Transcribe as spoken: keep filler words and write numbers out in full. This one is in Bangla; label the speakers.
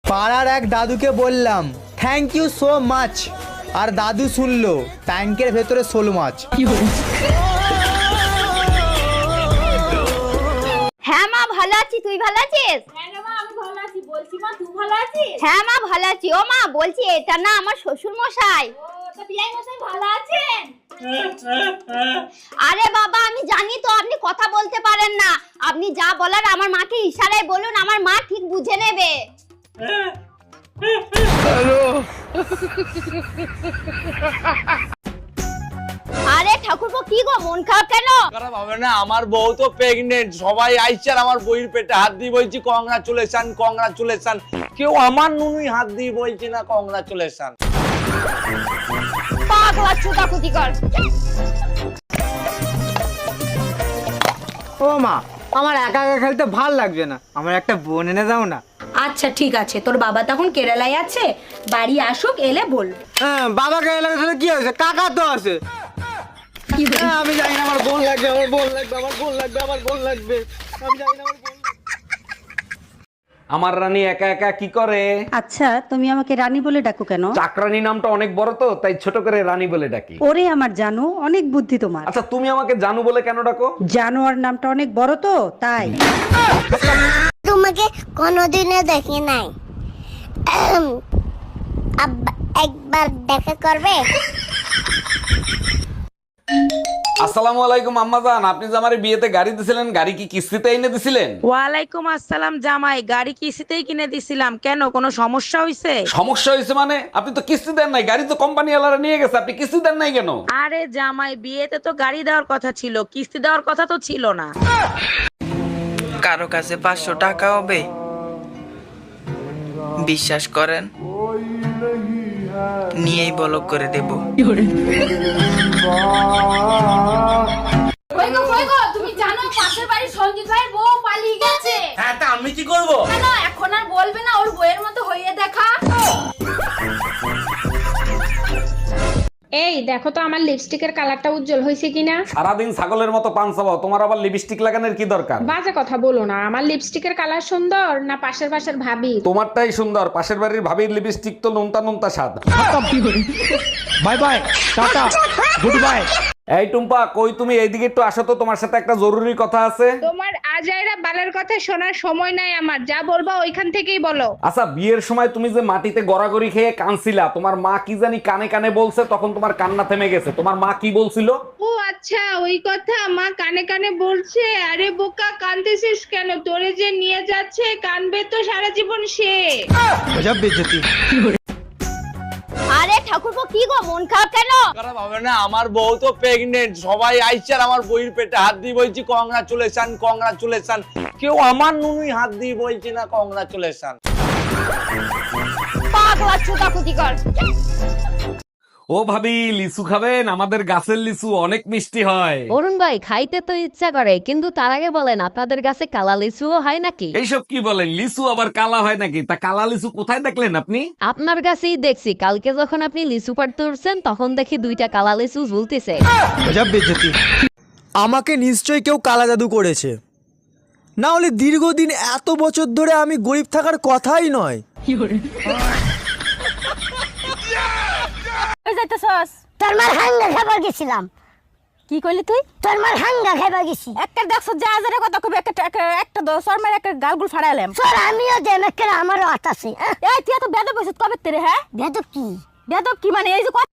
Speaker 1: পাড়ার এক দাদুকে বললাম থ্যাংক ইউ সো মাচ, আর দাদু শুনলো ট্যাঙ্কের ভেতরে শোল মাছ।
Speaker 2: হ্যাঁ মা ভালো আছি, তুই ভালো আছিস?
Speaker 3: হ্যাঁ রে মা আমি ভালো আছি। বলছি মা তুই ভালো আছিস?
Speaker 2: হ্যাঁ মা ভালো আছি। ও মা বলছি এটা না আমার শ্বশুর মশাই।
Speaker 3: ও তো বিয়াই মশাই ভালো আছেন?
Speaker 2: আরে বাবা আমি জানি তো আপনি কথা বলতে পারেন না, আপনি যা বলার আমার মাকে ইশারায় বলুন, আমার মা ঠিক বুঝে নেবে। আরে ঠাকুরপো কি গো মন খারাপ কেন?
Speaker 4: খারাপ হবে না, আমার বউ তো প্রেগনেন্ট, সবাই আইছে আর আমার বউয়ের পেটে হাত দিয়ে বলছি কংগ্রাচুলেশন কংগ্রাচুলেশন, কেউ আমার নুনুই হাত দিয়ে বলছি না কংগ্রাচুলেশন।
Speaker 2: পাগলা চুদা কুতিকর।
Speaker 1: ও মা, আমার একা একা খেলতে ভাল লাগছে না, আমার একটা বোন এনে দাও না।
Speaker 5: আচ্ছা ঠিক আছে, তোর বাবা তখন কেরালায় আছে, বাড়ি আসুক এলে বল।
Speaker 1: হ্যাঁ বাবাকে এলাকা সাথে কি হয়েছে, কাকা তো আছে। হ্যাঁ, আমি জানি না আমার বোন লাগবে, আমার বোন লাগবে, আমার বোন লাগবে, আমার বোন লাগবে, আমি জানি না আমার বোন লাগবে।
Speaker 6: আমার রানী একা একা কি করে?
Speaker 7: আচ্ছা তুমি আমাকে রানী বলে ডাকো কেন?
Speaker 6: চাকরানী নামটা অনেক বড় তো, তাই ছোট করে রানী বলে ডাকি।
Speaker 7: ওরে আমার জানো, অনেক বুদ্ধি তোমার।
Speaker 6: আচ্ছা তুমি আমাকে জানু বলে কেন ডাকো?
Speaker 7: জানোয়ার নামটা অনেক বড় তো তাই।
Speaker 8: তোমাকে কোনোদিনও দেখি নাই, একবার দেখা করবে?
Speaker 6: আসসালামু আলাইকুম আম্মাজান, আপনি যে আমার বিয়েতে গাড়ি দিছিলেন, গাড়ি কি কিস্তিতে এনে দিছিলেন?
Speaker 9: ওয়ালাইকুম আসসালাম জামাই, গাড়ি কিস্তিতেই কিনে দিছিলাম, কেন কোনো সমস্যা হইছে?
Speaker 6: সমস্যা হয়েছে মানে? আপনি তো কিস্তি দেন নাই, গাড়ি তো কোম্পানি ওয়ালারা নিয়ে গেছে, আপনি কিস্তি দেন নাই কেন?
Speaker 9: আরে জামাই বিয়েতে তো গাড়ি দেওয়ার কথা ছিল, কিস্তি দেওয়ার কথা তো ছিল না।
Speaker 10: কারো কাছে পাঁচশো টাকা হবে? বিশ্বাস করেন, নিয়েই বলক করে দেব।
Speaker 3: কই গো কই গো, তুমি জানো পাশের বাড়ি সঞ্জিত ভাইয়ের বউ পালিয়ে গেছে?
Speaker 4: হ্যাঁ তা আমি কি করব?
Speaker 3: কেন এখন আর বলবে না ওর বউয়ের মতো হইয়ে দেখা?
Speaker 11: এই দেখো তো আমার লিপস্টিকের কালারটা উজ্জ্বল হয়েছে কিনা।
Speaker 6: সারাদিন ছাগলের মতো পান চাবাও, তোমার আবার লিপস্টিক লাগানোর কি দরকার?
Speaker 11: বাজে কথা বলো না, আমার লিপস্টিকের কালার সুন্দর না পাশের পাশের ভাবি?
Speaker 6: তোমারটাই সুন্দর, পাশের বাড়ির ভাবির লিপস্টিক তো নুনতা নুনতা স্বাদ।
Speaker 1: Bye bye, tata, good bye.
Speaker 6: এই টুম্পা, কই তুমি? এইদিকে একটু আসো তো, তোমার সাথে একটা জরুরি কথা আছে।
Speaker 11: তোমার আজাইরা বালার কথা শোনার সময় নাই আমার, যা বলবা ওইখান থেকেই বলো।
Speaker 6: আচ্ছা বিয়ের সময় তুমি যে মাটিতে গড়াগড়ি খেয়ে কানছিলা, তোমার মা কি জানি কানে কানে বলছে, তখন তোমার কান্না থেমে গেছে, তোমার মা কি বলছিল?
Speaker 11: ও আচ্ছা ওই কথা মা কানে কানে বলছে। আরে বোকা কাঁদতেছিস কেন, তোরে যে নিয়ে যাচ্ছে কানবে তো সারা জীবন সে।
Speaker 1: গজব বেইজ্জতি।
Speaker 2: আরে ঠাকুরপো কি গো মন খারাপ কেন?
Speaker 4: খারাপ হবে না, আমার বউ তো প্রেগনেন্ট, সবাই আইছে আর আমার বউয়ের পেটে হাত দিয়ে বলছি কংগ্রাচুলেশন কংগ্রাচুলেশন, কেউ আমার নুনুই হাত দিয়ে বলছি না কংগ্রাচুলেশন।
Speaker 2: পাগলা চুদা কুতিকর।
Speaker 6: ও ভাবি, লিচু খাবেন? আমাদের গাছের লিচু অনেক মিষ্টি হয়।
Speaker 12: অরুণ ভাই খাইতে তো ইচ্ছা করে, কিন্তু তার আগে বলেন আপনাদের কাছে কালা লিচুও হয় নাকি?
Speaker 6: এইসব কি বলেন, লিচু আবার কালা হয় নাকি? তা কালা লিচু কোথায় দেখলেন আপনি?
Speaker 12: আপনার কাছেই দেখছি, কালকে যখন আপনি লিচু পাড়তে উঠছেন তখন দেখি দুইটা কালা লিচু ঝুলতেছে।
Speaker 1: গজব বেইজ্জতি। আমাকে নিশ্চয়ই কেউ কালা জাদু করেছে, না হলে দীর্ঘদিন এত বছর ধরে আমি গরিব থাকার কথাই নয়।
Speaker 8: তোর মার হাঙ্গা খাবার গেছিলাম।
Speaker 3: কি কইলি তুই?
Speaker 8: তোর মার হাঙ্গা খাবার গেছি।
Speaker 3: একটা দেখছ যা হাজারে কথা কবি, একটা একটা দশ আর মার একটা গালগুল ফাড়াইলাম।
Speaker 8: তোর আমিও দেন, একটা আমারও হাত আছে।
Speaker 3: এই তুই তো বেদব কইছিস কবে তেরে? হ্যাঁ
Speaker 8: বেদব কি?
Speaker 3: বেদব কি মানে এই যে